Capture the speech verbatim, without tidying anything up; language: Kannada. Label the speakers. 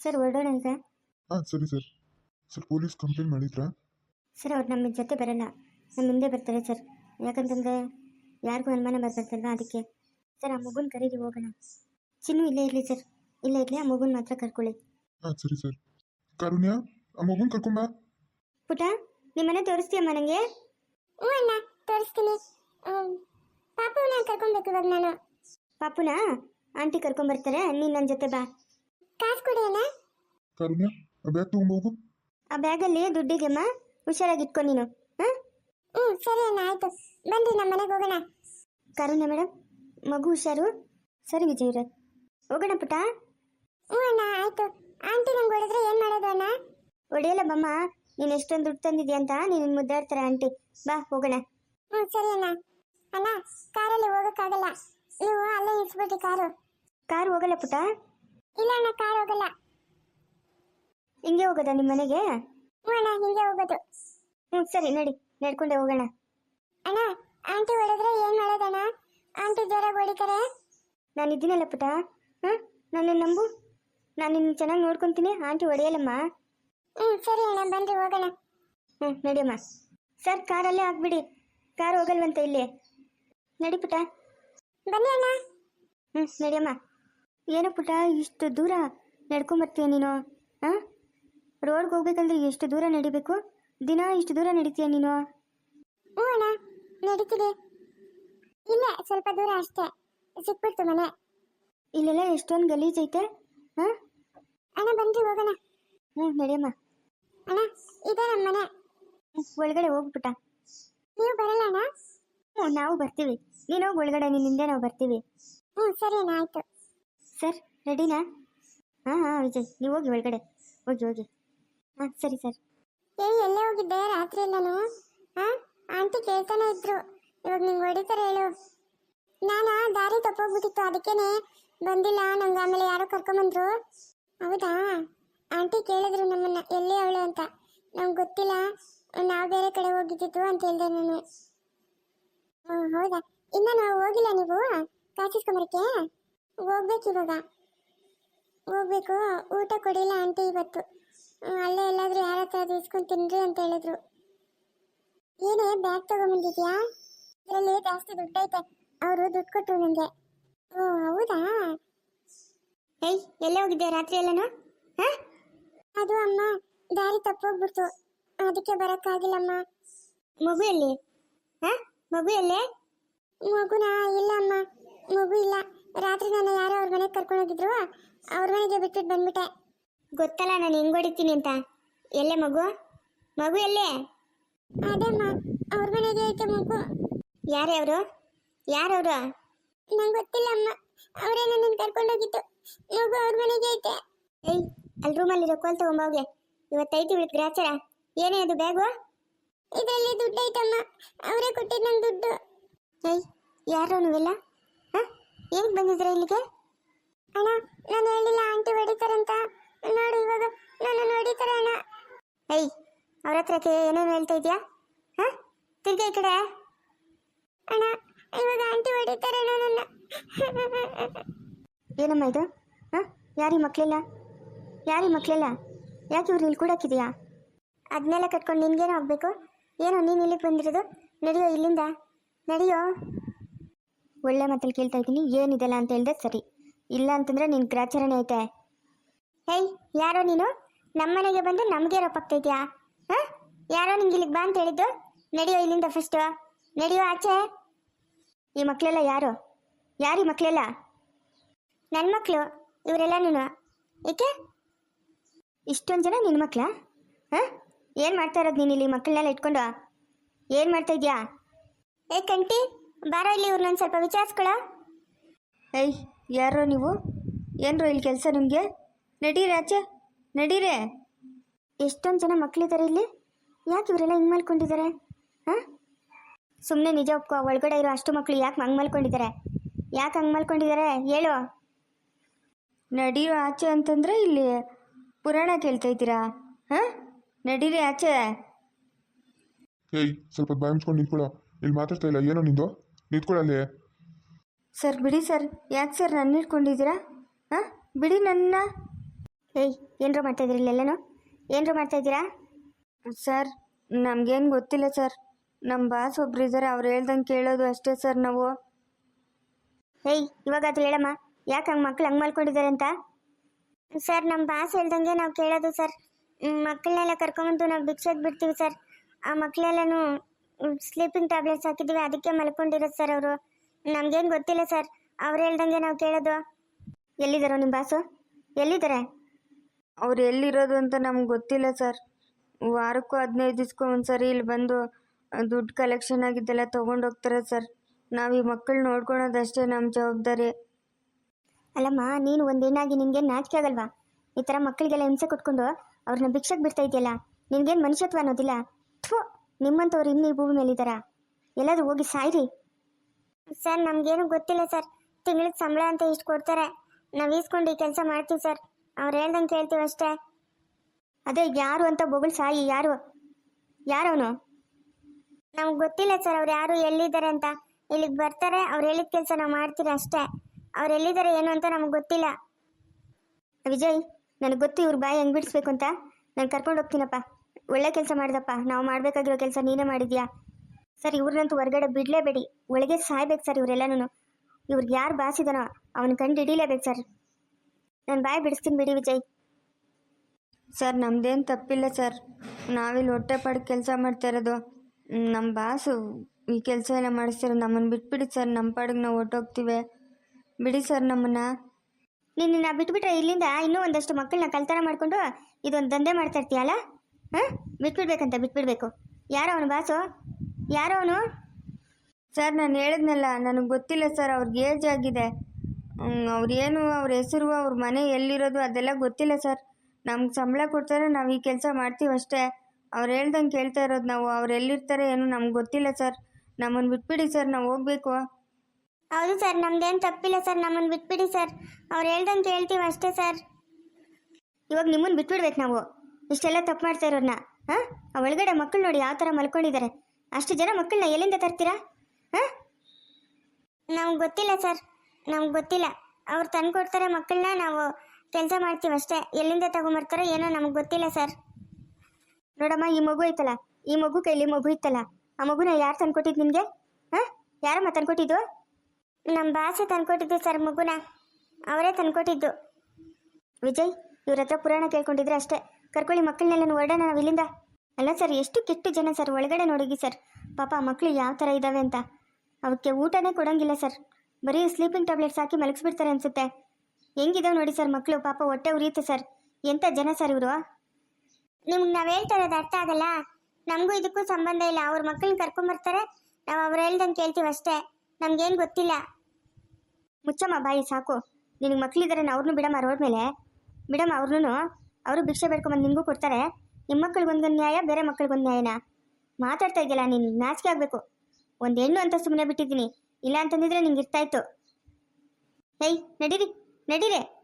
Speaker 1: ಸರ್ ಹೊರಡೋಣ ಸರ್.
Speaker 2: ಹಾಂ ಸರಿ ಸರ್. ಸರ್ ಪೊಲೀಸ್ ಕಂಪ್ಲೇಂಟ್ ಮಾಡಿದ್ರಾ?
Speaker 1: ಸರ್ ಅವ್ರು ನಮ್ಮ ಜೊತೆ ಬರಲ್ಲ, ನಮ್ಮ ಹಿಂದೆ ಬರ್ತಾರೆ ಸರ್. ಯಾಕಂತಂದರೆ ಯಾರಿಗೂ ಅನುಮಾನ ಬರ್ತದಲ್ವ ಅದಕ್ಕೆ. ಸರ್ ಆ ಮಗುನ ಕರೀರಿ ಹೋಗೋಣ. ಚಿನ್ನು ಇಲ್ಲೇ ಇರಲಿ ಸರ್, ಇಲ್ಲೇ ಇರಲಿ, ಆ ಮಗುನ ಮಾತ್ರ ಕರ್ಕೊಳ್ಳಿ.
Speaker 2: ಹಾಂ ಸರಿ ಸರ್. ಕಾರುಣ್ಯ, ಆ ಮಗುನ ಕರ್ಕೊಂಬ.
Speaker 1: ಪುಟ, ನಿಮ್ಮ ಮನೆ ತೋರಿಸ್ತೀಯಮ್ಮ ನನಗೆ?
Speaker 3: ಹ್ಞೂ ಅಣ್ಣ ತೋರಿಸ್ತೀನಿ. ಪಾಪುನ ಕರ್ಕೊಬೇಕು ಇವಾಗ ನಾನು.
Speaker 1: ಪಾಪುನ ಆಂಟಿ ಕರ್ಕೊಂಬರ್ತಾರೆ, ನೀನು ನನ್ನ ಜೊತೆ ಬಾ.
Speaker 3: ಕಾಸು ಕೊಡಿ ಅಣ್ಣ.
Speaker 2: ಕಾರುಣ್ಯ, ಆ ಬ್ಯಾಗ್ ತೊಗೊಂಬೋಗು.
Speaker 1: ಆ ಬ್ಯಾಗಲ್ಲಿ ದುಡ್ಡಿಗೆಮ್ಮ, ಹುಷಾರಾಗಿ ಇಟ್ಕೊ ನೀನು. ಹಾಂ
Speaker 3: ಹ್ಞೂ ಸರಿ ಅಣ್ಣ, ಆಯಿತು. ಬನ್ನಿ ನಮ್ಮ ಮನೆಗೆ ಹೋಗೋಣ.
Speaker 1: ಕಾರುಣ್ಯ ಮೇಡಮ್, ಮಗು ಹುಷಾರು. ಸರಿ ವಿಜಯ್, ಹೋಗೋಣ ಪುಟ.
Speaker 3: ಹ್ಞೂ ಅಣ್ಣ ಆಯಿತು. ಆಂಟಿ ನಂಗೆ ಹೊಡೆದ್ರೆ ಏನು ಮಾಡೋದು ಅಣ್ಣ?
Speaker 1: ಹೊಡೆಯಲ್ಲ ಬಮ್ಮ, ನೀನು ಎಷ್ಟೊಂದು ದುಡ್ಡು ತಂದಿದ್ಯಾ ಅಂತ ನೀನು ಮುದ್ದಾಡ್ತಾರೆ ಆಂಟಿ. ಬಾ ಹೋಗೋಣ.
Speaker 3: ಹ್ಞೂ ಸರಿ ಅಣ್ಣ. ಅಣ್ಣ ಕಾರಲ್ಲಿ ಹೋಗೋಕ್ಕಾಗಲ್ಲ, ನೀವು ಅಲ್ಲೇ ನಿಲ್ಸ್ಬಿಟ್ಟು ಕಾರು.
Speaker 1: ಕಾರ್ ಹೋಗಲ್ಲ ಪುಟ?
Speaker 3: ಇಲ್ಲ ಅಣ್ಣ, ಕಾರ್ ಹೋಗಲ್ಲ.
Speaker 1: ಹಿಂಗೆ ಹೋಗೋದಾ ನಿಮ್ಮ ಮನೆಗೆ?
Speaker 3: ಹ್ಞೂ ಅಣ್ಣ, ಹಿಂಗೆ ಹೋಗೋದು.
Speaker 1: ಹ್ಞೂ ಸರಿ, ನಡಿ, ನಡ್ಕೊಂಡೆ ಹೋಗೋಣ.
Speaker 3: ಅಣ್ಣ ಆಂಟಿ ಹೊಡೆದ್ರೆ ಏನು ಮಾಡೋದಣ್ಣ? ಆಂಟಿ ಜೋರಾಗಿ ಹೊಡಿತಾರೆ.
Speaker 1: ನಾನು ಇದ್ದೀನಲ್ಲ ಪುಟ, ಹಾಂ, ನನ್ನ ನಂಬು, ನಾನು ನಿನ್ನ ಚೆನ್ನಾಗಿ ನೋಡ್ಕೊತೀನಿ. ಆಂಟಿ ಹೊಡೆಯಲ್ಲಮ್ಮ.
Speaker 3: ಹ್ಞೂ ಸರಿ ಅಣ್ಣ, ಬನ್ರಿ ಹೋಗೋಣ.
Speaker 1: ಹ್ಞೂ ನಡಿಯಮ್ಮ. ಸರ್ ಕಾರಲ್ಲೇ ಹಾಕ್ಬಿಡಿ, ಕಾರ್ ಹೋಗಲ್ವಂತ ಇಲ್ಲಿ. ನಡಿ ಪುಟ.
Speaker 3: ಬನ್ನಿ ಅಣ್ಣ.
Speaker 1: ಹ್ಞೂ ನಡಿಯಮ್ಮ. ಏನೋ ಪುಟ, ಇಷ್ಟು ದೂರ ನಡ್ಕೊಂಬರ್ತೀಯ ನೀನು? ಹಾಂ, ರೋಡ್ಗೆ ಹೋಗ್ಬೇಕಂದ್ರೆ ಎಷ್ಟು ದೂರ ನಡಿಬೇಕು? ದಿನ ಇಷ್ಟು ದೂರ ನಡಿತೀಯ ನೀನು?
Speaker 3: ಹ್ಞೂ ಅಣ್ಣ ನಡೀತೀನಿ. ಇಲ್ಲ ಸ್ವಲ್ಪ ದೂರ ಅಷ್ಟೇ, ಸಿಕ್ಬಿಡ್ತು ಮನೆ.
Speaker 1: ಇಲ್ಲೆಲ್ಲ ಎಷ್ಟೊಂದು ಗಲೀಜೈತೆ. ಹಾಂ
Speaker 3: ಅಣ್ಣ ಬನ್ರಿ ಹೋಗೋಣ.
Speaker 1: ಹ್ಞೂ ನಡಿಯಮ್ಮ.
Speaker 3: ಅಣ್ಣ ಇದೇ ನಮ್ಮ ಮನೆ.
Speaker 1: ಒಳಗಡೆ ಹೋಗ್ಬಿಟ್ಟ.
Speaker 3: ನೀವು ಬರಲ್ಲ ಅಣ್ಣ?
Speaker 1: ಹ್ಞೂ ನಾವು ಬರ್ತೀವಿ, ನೀನು ಹೋಗಿ ಒಳಗಡೆ, ನಿನ್ನ ಹಿಂದೆ ನಾವು ಬರ್ತೀವಿ.
Speaker 3: ಹ್ಞೂ ಸರಿ ಅಣ್ಣ ಆಯಿತು.
Speaker 1: ಸರ್ ರೆಡಿನಾ? ಹಾಂ ಹಾಂ ವಿಜಯ್, ನೀವು ಹೋಗಿ ಒಳಗಡೆ, ಹೋಗಿ ಹೋಗಿ. ಹಾಂ ಸರಿ ಸರ್.
Speaker 3: ಏ ಎಲ್ಲೇ ಹೋಗಿದ್ದೆ ರಾತ್ರಿ ಎಲ್ಲಾನು? ಹಾಂ ಆಂಟಿ ಕೇಳ್ತಾನೆ ಇದ್ರು, ಇವಾಗ ನಿಂಗೆ ಹೊಡಿತಾರೆ ಹೇಳು. ನಾನು ದಾರಿ ತಪ್ಪೋಗ್ಬಿಟ್ಟಿತ್ತು, ಅದಕ್ಕೇನೆ ಬಂದಿಲ್ಲ. ನಂಗೆ ಆಮೇಲೆ ಯಾರೋ ಕರ್ಕೊಂಬಂದ್ರು. ಹೌದಾ? ಆಂಟಿ ಕೇಳಿದ್ರು ನಮ್ಮನ್ನ ಎಲ್ಲಿ ಅವಳು ಅಂತ. ನಮ್ಗೆ ಗೊತ್ತಿಲ್ಲ, ನಾವು ಬೇರೆ ಕಡೆ ಹೋಗಿದ್ದಿತ್ತು ಅಂತ ಹೇಳ್ದೆ ನಾನು. ಹ್ಞೂ ಹೌದಾ? ಇನ್ನು ನಾವು ಹೋಗಿಲ್ಲ, ನೀವು ಕಾಸಿಸ್ಕೊಂಬರಕ್ಕೆ ಹೋಗ್ಬೇಕು ಇವಾಗ. ಹೋಗ್ಬೇಕು. ಊಟ ಕೊಡಿಲ್ಲ ಆಂಟಿ ಇವತ್ತು. ಅಲ್ಲೇ ಎಲ್ಲಾದರೂ ಯಾರ ಹತ್ರ ಇಸ್ಕೊಂಡು ತಿನ್ರಿ ಅಂತ ಹೇಳಿದ್ರು. ಏನೇ ಬ್ಯಾಗ್ ತಗೊಂಬಂದಿದ್ಯಾ? ಇದರಲ್ಲಿ ಜಾಸ್ತಿ ದುಡ್ಡೈತೆ, ಅವರು ದುಡ್ಡು ಕೊಟ್ಟರು ನನಗೆ. ಓ ಹೌದಾ?
Speaker 1: ಏಯ್ ಎಲ್ಲೇ ಹೋಗಿದ್ದೆ ರಾತ್ರಿ ಎಲ್ಲನೂ? ಹಾಂ
Speaker 3: ಅದು ಅಮ್ಮ ದಾರಿ ತಪ್ಪೋಗ್ಬಿಡ್ತು, ಅದಕ್ಕೆ ಬರೋಕ್ಕಾಗಿಲ್ಲಮ್ಮ.
Speaker 1: ಮಗು ಎಲ್ಲಿ? ಹಾಂ ಮಗು ಎಲ್ಲೇ?
Speaker 3: ಮಗುನ ಇಲ್ಲ ಅಮ್ಮ, ಮಗು ಇಲ್ಲ. ರಾತ್ರಿ ನಾನು ಯಾರೋ ಅವ್ರ ಮನೆಗೆ ಕರ್ಕೊಂಡೋಗಿದ್ರು, ಅವ್ರ ಮನೆಗೆ ಬಿಟ್ಬಿಟ್ಟು ಬಂದ್ಬಿಟ್ಟೆ.
Speaker 1: ಗೊತ್ತಲ್ಲ ನಾನು ಹೆಂಗೆ ಹೊಡಿತೀನಿ ಅಂತ. ಎಲ್ಲೇ ಮಗು? ಮಗು ಎಲ್ಲೇ?
Speaker 3: ಅದೇಮ್ಮ ಅವ್ರ ಮನೆಗೆ ಐತೆ ಮಗು.
Speaker 1: ಯಾರೇ ಅವರು? ಯಾರವರು?
Speaker 3: ನಂಗೆ ಗೊತ್ತಿಲ್ಲ ಅಮ್ಮ, ಅವರೇ ನನ್ನನ್ನು ಕರ್ಕೊಂಡೋಗಿತ್ತು. ಮಗು ಅವ್ರ ಮನೆಗೆ ಐತೆ.
Speaker 1: ಏಯ್ ಅಲ್ಲಿ ರೂಮಲ್ಲಿರೋ ಕೋಲ್ ತಗೊಂಬೋಗೆ, ಇವತ್ತೈತಿ ಬಿಡ್ತು ಗ್ರಾಚಾರ. ಏನೇ ಅದು ಬ್ಯಾಗು?
Speaker 3: ಇದರಲ್ಲಿ ದುಡ್ಡು ಐತಮ್ಮ, ಅವರೇ ಕೊಟ್ಟಿದ್ದು ನಂಗೆ ದುಡ್ಡು.
Speaker 1: ಏಯ್ ಯಾರೋ ನೀವೆಲ್ಲ? ಹಾಂ ಏನಕ್ಕೆ ಬಂದಿದ್ದೀರಾ ಇಲ್ಲಿಗೆ?
Speaker 3: ಅಣ್ಣ ನಾನು ಹೇಳಿಲ್ಲ ಆಂಟಿ ಹೊಡಿತಾರಂತ. ನೋಡು ಇವಾಗ ನಾನು ಹೊಡಿತಾರೆ ಅಣ್ಣ.
Speaker 1: ಏಯ್ ಅವ್ರ ಹತ್ರಕ್ಕೆ ಏನೇನು ಹೇಳ್ತಾ ಇದೆಯಾ? ಹಾಂ ತಿರ್ಗಿ ಈ ಕಡೆ.
Speaker 3: ಅಣ್ಣ ಇವಾಗ ಆಂಟಿ ಹೊಡಿತಾರೆ ನನ್ನ.
Speaker 1: ಏನಮ್ಮ ಇದು? ಹಾಂ ಯಾರೀ ಮಕ್ಕಳೆಲ್ಲ? ಯಾರೀ ಮಕ್ಕಳೆಲ್ಲ? ಯಾಕೆ ಇವ್ರು ಇಲ್ಲಿ ಕೂಡಕ್ಕಿದೆಯಾ? ಅದನ್ನೆಲ್ಲ ಕಟ್ಕೊಂಡು ನಿನ್ಗೇನೋ ಆಗಬೇಕು? ಏನೋ ನೀನು ಇಲ್ಲಿಗೆ ಬಂದಿರೋದು? ನಡೆಯೋ ಇಲ್ಲಿಂದ, ನಡೆಯೋ. ಒಳ್ಳೆ ಮಾತಲ್ಲಿ ಕೇಳ್ತಾ ಇದ್ದೀನಿ, ಏನಿದೆಲ್ಲ ಅಂತ ಹೇಳ್ದೆ ಸರಿ, ಇಲ್ಲ ಅಂತಂದರೆ ನಿನ್ನ ಗ್ರಾಚಾರಣೆ ಐತೆ. ಹೇಯ್ ಯಾರೋ ನೀನು? ನಮ್ಮ ಮನೆಗೆ ಬಂದು ನಮಗೆ ರೊಪ್ಪಾಗ್ತೈತ್ಯಾ? ಹಾಂ ಯಾರೋ ನಿಂಗೆ ಇಲ್ಲಿಗೆ ಬಾ ಅಂತ ಹೇಳಿದ್ದು? ನಡೆಯೋ ಇಲ್ಲಿಂದ ಫಸ್ಟು, ನಡೆಯೋ ಆಚೆ. ಈ ಮಕ್ಕಳೆಲ್ಲ ಯಾರು? ಯಾರು ಈ ಮಕ್ಕಳೆಲ್ಲ? ನನ್ನ ಮಕ್ಕಳು ಇವರೆಲ್ಲನೂ. ಏಕೆ ಇಷ್ಟೊಂದು ಜನ ನಿನ್ನ ಮಕ್ಕಳಾ? ಹಾಂ ಏನು ಮಾಡ್ತಾ ಇರೋದು ನೀನು ಇಲ್ಲಿ ಮಕ್ಕಳನ್ನೆಲ್ಲ ಇಟ್ಕೊಂಡು? ಏನು ಮಾಡ್ತಾ ಇದೆಯಾ? ಏ ಕಂಟಿ ಬಾರೋ ಇಲ್ಲಿ, ಇವ್ರನ್ನ ಸ್ವಲ್ಪ ವಿಚಾರಿಸ್ಕೊಳ. ಏಯ್ ಯಾರೋ ನೀವು? ಏನರೋ ಇಲ್ಲಿ ಕೆಲಸ ನಿಮಗೆ? ನಡೀರಿ ಆಚೆ, ನಡೀರಿ. ಎಷ್ಟೊಂದು ಜನ ಮಕ್ಕಳಿದ್ದಾರೆ ಇಲ್ಲಿ, ಯಾಕೆ ಇವರೆಲ್ಲ ಹಿಂಗೆ ಮಲ್ಕೊಂಡಿದ್ದಾರೆ? ಹಾಂ ಸುಮ್ಮನೆ ನಿಜ ಒಪ್ಕೋ, ಒಳಗಡೆ ಇರೋ ಅಷ್ಟು ಮಕ್ಕಳು ಯಾಕೆ ಹಂಗೆ ಮಲ್ಕೊಂಡಿದ್ದಾರೆ? ಯಾಕೆ ಹಂಗೆ ಮಲ್ಕೊಂಡಿದ್ದಾರೆ ಹೇಳು. ನಡೀರೋ ಆಚೆ ಅಂತಂದರೆ ಇಲ್ಲಿ ಪುರಾಣ ಕೇಳ್ತಾ ಇದ್ದೀರಾ? ಹಾಂ ನಡೀರಿ ಆಚೆ.
Speaker 2: ಏಯ್ ಸ್ವಲ್ಪ ಬಾಯಿ ಮುಚ್ಕೊಂಡು ನಿಂತ್ಕೊಳ್ಳೋ, ಇಲ್ಲಿ ಮಾತಾಡ್ತಾ ಇಲ್ಲ. ಏನೋ ನಿಂದು? ನಿಂತ್ಕೊಳ್ಳಲ್ಲಿ.
Speaker 1: ಸರ್ ಬಿಡಿ ಸರ್, ಯಾಕೆ ಸರ್ ನನ್ನ ಇಟ್ಕೊಂಡಿದ್ದೀರಾ? ಹಾಂ ಬಿಡಿ ನನ್ನ. ಏಯ್ ಏನರು ಮಾಡ್ತಾಯಿದ್ದೀರಿ ಇಲ್ಲೆಲ್ಲನೂ ಏನರು ಮಾಡ್ತಾಯಿದ್ದೀರಾ?
Speaker 4: ಸರ್ ನಮಗೇನು ಗೊತ್ತಿಲ್ಲ ಸರ್. ನಮ್ಮ ಬಾಸ್ ಒಬ್ರು ಇದ್ದಾರೆ, ಅವ್ರು ಹೇಳ್ದಂಗೆ ಕೇಳೋದು ಅಷ್ಟೇ ಸರ್ ನಾವು.
Speaker 1: ಏಯ್ ಇವಾಗಾದ್ರೂ ಹೇಳಮ್ಮ, ಯಾಕೆ ಹಂಗೆ ಮಕ್ಳು ಹಂಗೆ ಮಲ್ಕೊಂಡಿದ್ದಾರೆ ಅಂತ?
Speaker 3: ಸರ್ ನಮ್ಮ ಬಾಸ್ ಹೇಳ್ದಂಗೆ ನಾವು ಕೇಳೋದು ಸರ್. ಮಕ್ಕಳನ್ನೆಲ್ಲ ಕರ್ಕೊಂಬಂದು ನಾವು ಭಿಕ್ಷೆಗೆ ಬಿಡ್ತೀವಿ ಸರ್. ಆ ಮಕ್ಕಳೆಲ್ಲನೂ ಸ್ಲೀಪಿಂಗ್ ಟ್ಯಾಬ್ಲೆಟ್ಸ್ ಹಾಕಿದ್ದೀವಿ, ಅದಕ್ಕೆ ಮಲ್ಕೊಂಡಿರೋದು ಸರ್ ಅವರು. ನಮಗೇನು ಗೊತ್ತಿಲ್ಲ ಸರ್, ಅವ್ರು ಹೇಳ್ದಂಗೆ ನಾವು ಕೇಳೋದು.
Speaker 1: ಎಲ್ಲಿದ್ದಾರೋ ನಿಮ್ಮ ಬಾಸು? ಎಲ್ಲಿದ್ದಾರೆ?
Speaker 4: ಅವ್ರು ಎಲ್ಲಿರೋದು ಅಂತ ನಮ್ಗೆ ಗೊತ್ತಿಲ್ಲ ಸರ್. ವಾರಕ್ಕೂ ಹದಿನೈದು ದಿವ್ಸಕ್ಕೂ ಒಂದು ಸರಿ ಇಲ್ಲಿ ಬಂದು ದುಡ್ಡು ಕಲೆಕ್ಷನ್ ಆಗಿದ್ದೆಲ್ಲ ತೊಗೊಂಡು ಹೋಗ್ತಾರೆ ಸರ್. ನಾವು ಈ ಮಕ್ಕಳು ನೋಡ್ಕೊಳೋದಷ್ಟೇ ನಮ್ಮ ಜವಾಬ್ದಾರಿ.
Speaker 1: ಅಲ್ಲಮ್ಮ, ನೀನು ಒಂದು ಹೆಣ್ಣಾಗಿ ನಿನ್ಗೇನು ನಾಚಿಕೆ ಆಗಲ್ವಾ? ಈ ಥರ ಮಕ್ಕಳಿಗೆಲ್ಲ ಹಿಂಸೆ ಕೊಟ್ಕೊಂಡು ಅವ್ರನ್ನ ಭಿಕ್ಷೆಗೆ ಬಿಡ್ತಾ ಇದೆಯಲ್ಲ, ನಿನ್ಗೇನು ಮನುಷ್ಯತ್ವ ಅನ್ನೋದಿಲ್ಲ? ಥೂ, ನಿಮ್ಮಂಥವ್ರು ಇನ್ನೂ ಈ ಭೂಮಿ ಮೇಲಿದ್ದಾರಾ? ಎಲ್ಲಾದರೂ ಹೋಗಿ ಸಾಯ್ರಿ.
Speaker 3: ಸರ್ ನಮಗೇನು ಗೊತ್ತಿಲ್ಲ ಸರ್. ತಿಂಗಳಿಗೆ ಸಂಬಳ ಅಂತ ಇಷ್ಟು ಕೊಡ್ತಾರೆ, ನಾವು ಈಸ್ಕೊಂಡು ಈ ಕೆಲಸ ಮಾಡ್ತೀವಿ ಸರ್. ಅವ್ರು ಹೇಳ್ದಂಗೆ ಕೇಳ್ತೀವಿ ಅಷ್ಟೇ.
Speaker 1: ಅದೇ ಯಾರು ಅಂತ ಬೊಗಳು ಸಾಯಿ. ಯಾರು ಯಾರವನು?
Speaker 3: ನಮ್ಗೆ ಗೊತ್ತಿಲ್ಲ ಸರ್ ಅವ್ರು ಯಾರು, ಎಲ್ಲಿದ್ದಾರೆ ಅಂತ. ಇಲ್ಲಿಗೆ ಬರ್ತಾರೆ, ಅವ್ರು ಹೇಳಿದ ಕೆಲಸ ನಾವು ಮಾಡ್ತೀರಿ ಅಷ್ಟೇ. ಅವ್ರು ಎಲ್ಲಿದ್ದಾರೆ ಏನು ಅಂತ ನಮ್ಗೆ ಗೊತ್ತಿಲ್ಲ.
Speaker 1: ವಿಜಯ್, ನನಗೆ ಗೊತ್ತು ಇವ್ರ ಬಾಯಿ ಹೆಂಗೆ ಬಿಡಿಸ್ಬೇಕು ಅಂತ. ನಾನು ಕರ್ಕೊಂಡು ಹೋಗ್ತೀನಪ್ಪ. ಒಳ್ಳೆ ಕೆಲಸ ಮಾಡಿದಪ್ಪ. ನಾವು ಮಾಡಬೇಕಾಗಿರೋ ಕೆಲಸ ನೀನೇ ಮಾಡಿದ್ಯಾ ಸರ್. ಇವ್ರನ್ನಂತೂ ಹೊರಗಡೆ ಬಿಡಲೇಬೇಡಿ, ಒಳಗೆ ಸಾಯ್ಬೇಕು ಸರ್ ಇವರೆಲ್ಲನೂ. ಇವ್ರಿಗೆ ಯಾರು ಬಾಸಿದಾನೋ ಅವನ ಕಂಡು ಹಿಡೀಲೇಬೇಕು ಸರ್. ನಾನು ಬಾಯಿ ಬಿಡಿಸ್ತೀನಿ ಬಿಡಿ ವಿಜಯ್.
Speaker 4: ಸರ್ ನಮ್ಮದೇನು ತಪ್ಪಿಲ್ಲ ಸರ್. ನಾವಿಲ್ಲಿ ಹೊಟ್ಟೆ ಪಾಡು ಕೆಲಸ ಮಾಡ್ತಾ ಇರೋದು. ನಮ್ಮ ಬಾಸು ಈ ಕೆಲಸ ಎಲ್ಲ ಮಾಡಿಸ್ತಿರೋದು. ನಮ್ಮನ್ನು ಬಿಟ್ಬಿಡಿ ಸರ್, ನಮ್ಮ ಪಾಡಿಗೆ ನಾವು ಹೊಟ್ಟೋಗ್ತೀವಿ. ಬಿಡಿ ಸರ್ ನಮ್ಮನ್ನು.
Speaker 1: ನಿನ್ನ ಬಿಟ್ಬಿಟ್ರೆ ಇಲ್ಲಿಂದ ಇನ್ನೂ ಒಂದಷ್ಟು ಮಕ್ಕಳನ್ನ ಕಳ್ತನ ಮಾಡಿಕೊಂಡು ಇದೊಂದು ದಂಧೆ ಮಾಡ್ತಾ ಇರ್ತೀಯಲ್ಲ? ಹಾಂ, ಬಿಟ್ಬಿಡ್ಬೇಕಂತ ಬಿಟ್ಬಿಡ್ಬೇಕು. ಯಾರೋ ಅವನು ಬಾಸು? ಯಾರೋ ಅವನು?
Speaker 4: ಸರ್ ನಾನು ಹೇಳಿದ್ನಲ್ಲ, ನನಗೆ ಗೊತ್ತಿಲ್ಲ ಸರ್. ಅವ್ರಿಗೆ ಏಜ್ ಆಗಿದೆ. ಅವ್ರೇನು, ಅವ್ರ ಹೆಸರು, ಅವ್ರ ಮನೆ ಎಲ್ಲಿರೋದು ಅದೆಲ್ಲ ಗೊತ್ತಿಲ್ಲ ಸರ್. ನಮ್ಗೆ ಸಂಬಳ ಕೊಡ್ತಾರೆ, ನಾವು ಈ ಕೆಲಸ ಮಾಡ್ತೀವಿ ಅಷ್ಟೇ. ಅವ್ರು ಹೇಳ್ದಂಗೆ ಕೇಳ್ತಾ ಇರೋದು ನಾವು. ಅವ್ರು ಎಲ್ಲಿರ್ತಾರೆ ಏನು ನಮ್ಗೆ ಗೊತ್ತಿಲ್ಲ ಸರ್. ನಮ್ಮನ್ನು ಬಿಟ್ಬಿಡಿ ಸರ್, ನಾವು ಹೋಗ್ಬೇಕು.
Speaker 3: ಹೌದು ಸರ್, ನಮ್ದೇನು ತಪ್ಪಿಲ್ಲ ಸರ್, ನಮ್ಮನ್ನು ಬಿಟ್ಬಿಡಿ ಸರ್. ಅವ್ರು ಹೇಳ್ದಂಗೆ ಕೇಳ್ತೀವಿ ಅಷ್ಟೇ ಸರ್.
Speaker 1: ಇವಾಗ ನಿಮ್ಮನ್ನು ಬಿಟ್ಬಿಡ್ಬೇಕು ನಾವು, ಇಷ್ಟೆಲ್ಲ ತಪ್ಪು ಮಾಡ್ತಾ ಇರೋದನ್ನ. ಹಾಂ, ಆ ಒಳಗಡೆ ಮಕ್ಕಳು ನೋಡಿ ಯಾವ ಥರ ಮಲ್ಕೊಂಡಿದ್ದಾರೆ. ಅಷ್ಟು ಜನ ಮಕ್ಕಳನ್ನ ಎಲ್ಲಿಂದ ತರ್ತೀರಾ? ಹಾಂ,
Speaker 3: ನಮ್ಗೆ ಗೊತ್ತಿಲ್ಲ ಸರ್, ನಮ್ಗೆ ಗೊತ್ತಿಲ್ಲ. ಅವ್ರು ತಂದು ಕೊಡ್ತಾರೆ ಮಕ್ಕಳನ್ನ, ನಾವು ಕೆಲಸ ಮಾಡ್ತೀವಿ ಅಷ್ಟೇ. ಎಲ್ಲಿಂದ ತಗೊಂಬರ್ತಾರೋ ಏನೋ ನಮ್ಗೆ ಗೊತ್ತಿಲ್ಲ ಸರ್.
Speaker 1: ನೋಡಮ್ಮ, ಈ ಮಗು ಐತಲ್ಲ, ಈ ಮಗು ಕೈಲಿ ಮಗು ಇತ್ತಲ್ಲ, ಆ ಮಗುನ ಯಾರು ತಂದ್ಕೊಟ್ಟಿದ್ದು ನಿನಗೆ? ಹಾಂ, ಯಾರಮ್ಮ ತಂದ್ಕೊಟ್ಟಿದ್ದು?
Speaker 3: ನಮ್ಮ ಬಾಸೆ ತಂದ್ಕೊಟ್ಟಿದ್ದು ಸರ್ ಮಗುನ, ಅವರೇ ತಂದ್ಕೊಟ್ಟಿದ್ದು.
Speaker 1: ವಿಜಯ್, ಇವ್ರ ಹತ್ರ ಪುರಾಣ ಕೇಳ್ಕೊಂಡಿದ್ರೆ ಅಷ್ಟೇ. ಕರ್ಕೊಳ್ಳಿ ಮಕ್ಕಳನ್ನೆಲ್ಲ ಹೊರಡೋಣ ನಾವು ಇಲ್ಲಿಂದ. ಅಲ್ಲ ಸರ್, ಎಷ್ಟು ಕೆಟ್ಟು ಜನ ಸರ್. ಒಳಗಡೆ ನೋಡಿಗಿ ಸರ್, ಪಾಪ ಮಕ್ಕಳು ಯಾವ ಥರ ಇದ್ದಾವೆ ಅಂತ. ಅವಕ್ಕೆ ಊಟನೇ ಕೊಡೋಂಗಿಲ್ಲ ಸರ್, ಬರೀ ಸ್ಲೀಪಿಂಗ್ ಟ್ಯಾಬ್ಲೆಟ್ಸ್ ಹಾಕಿ ಮಲಗಿಸ್ಬಿಡ್ತಾರೆ ಅನಿಸುತ್ತೆ. ಹೆಂಗಿದಾವೆ ನೋಡಿ ಸರ್ ಮಕ್ಕಳು, ಪಾಪ ಹೊಟ್ಟೆ ಉರಿಯುತ್ತೆ ಸರ್. ಎಂಥ ಜನ ಸರ್ ಇವರು.
Speaker 3: ನಿಮ್ಗೆ ನಾವು ಹೇಳ್ತಾ ಇರೋದು ಅರ್ಥ ಆಗಲ್ಲ? ನಮಗೂ ಇದಕ್ಕೂ ಸಂಬಂಧ ಇಲ್ಲ. ಅವ್ರ ಮಕ್ಕಳನ್ನ ಕರ್ಕೊಂಬರ್ತಾರೆ, ನಾವು ಅವ್ರು ಹೇಳ್ದಂಗೆ ಕೇಳ್ತೀವಿ ಅಷ್ಟೇ. ನಮ್ಗೇನು ಗೊತ್ತಿಲ್ಲ.
Speaker 1: ಮುಚ್ಚಮ್ಮ ಬಾಯಿ, ಸಾಕು. ನಿನಗೆ ಮಕ್ಕಳಿದ್ದಾರೆ, ಅವ್ರನ್ನೂ ಬಿಡಮ್ಮ ರೋಡ್ ಮೇಲೆ ಬಿಡಮ್ಮ. ಅವ್ರನ್ನೂ ಅವರು ಭಿಕ್ಷೆ ಬೇಡ್ಕೊಂಬಂದು ನಿನಗೂ ಕೊಡ್ತಾರೆ. ನಿಮ್ಮ ಮಕ್ಳಿಗೊಂದು ನ್ಯಾಯ, ಬೇರೆ ಮಕ್ಳಿಗೊಂದು ನ್ಯಾಯನಾ? ಮಾತಾಡ್ತಾ ಇದೆಯಲ್ಲ ನೀನು, ನಾಚಿಕೆ ಆಗಬೇಕು. ಒಂದು ಹೆಣ್ಣು ಅಂತ ಸುಮ್ಮನೆ ಬಿಟ್ಟಿದ್ದೀನಿ, ಇಲ್ಲ ಅಂತಂದಿದ್ರೆ ನಿಂಗೆ ಇರ್ತಾಯಿತ್ತು. ಹೇಯ್ ನಡೀರಿ ನಡೀರಿ.